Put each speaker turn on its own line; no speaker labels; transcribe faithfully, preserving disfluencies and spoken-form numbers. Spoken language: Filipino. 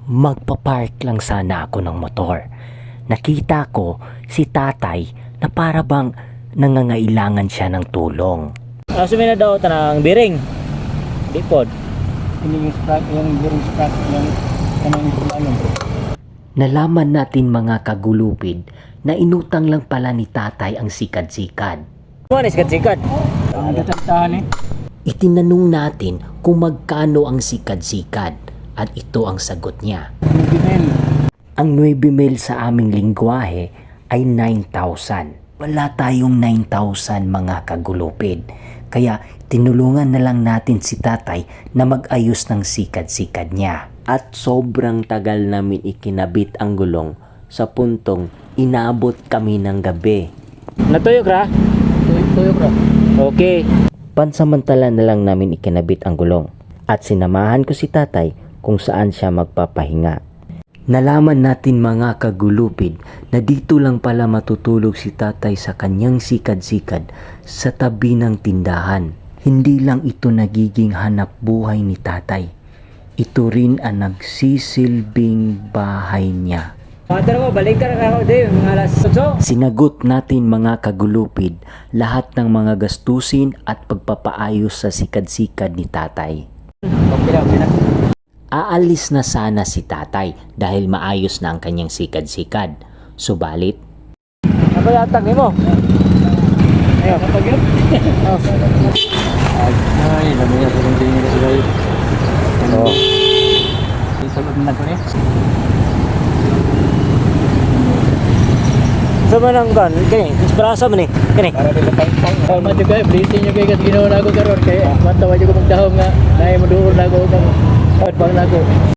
Magpapark lang sana ako ng motor. Nakita ko si tatay na para bang nangangailangan siya ng tulong.
Asumi na daw tanang biring. Di pod.
Hindi yung sprat, yung bearing sprat, yung kanang ano.
Nalaman natin mga kagulupid na inutang lang pala ni tatay ang sikad-sikad.
Mo ni sikat-sikat.
Ang tatantahan eh.
Itinanong natin kung magkano ang sikad-sikad at ito ang sagot niya.
Nagimel.
Ang nueve mil sa aming lingwahe ay nine thousand. Wala tayong nine thousand mga kagulupid. Kaya tinulungan na lang natin si tatay na mag-ayos ng sikad-sikad niya. At sobrang tagal namin ikinabit ang gulong sa puntong inabot kami ng gabi.
Natuyok ra?
Tuyok ra.
Okay.
Pansamantala na lang namin ikinabit ang gulong at sinamahan ko si tatay kung saan siya magpapahinga. Nalaman natin mga kagulupid na dito lang pala matutulog si tatay sa kanyang sikad-sikad sa tabi ng tindahan. Hindi lang ito nagiging hanap buhay ni tatay. Ito rin ang nagsisilbing bahay niya.
Matar mo balik ka na ako din mga alas eight.
Sinagot natin mga kagulupid lahat ng mga gastusin at pagpapaayos sa sikad-sikad ni tatay.
Okay na, okay na.
Aalis na sana si tatay dahil maayos na ang kanyang sikad-sikad. Subalit,
Ako yatag nimo.
Ayun, kapag yun. Ay, lamaya sa kong tingin na sila yun.
Oh.
Isalot na ko niya.
Sa manang kan, kini, inspirasa man ni. Kini.
Para nila pang-pang. Tama juga, blessing nyo kayo kasi ginawa na ako karoon. Kaya matawa nyo ko magdahong nga. Naay maduol na ako. Pagpang na ako.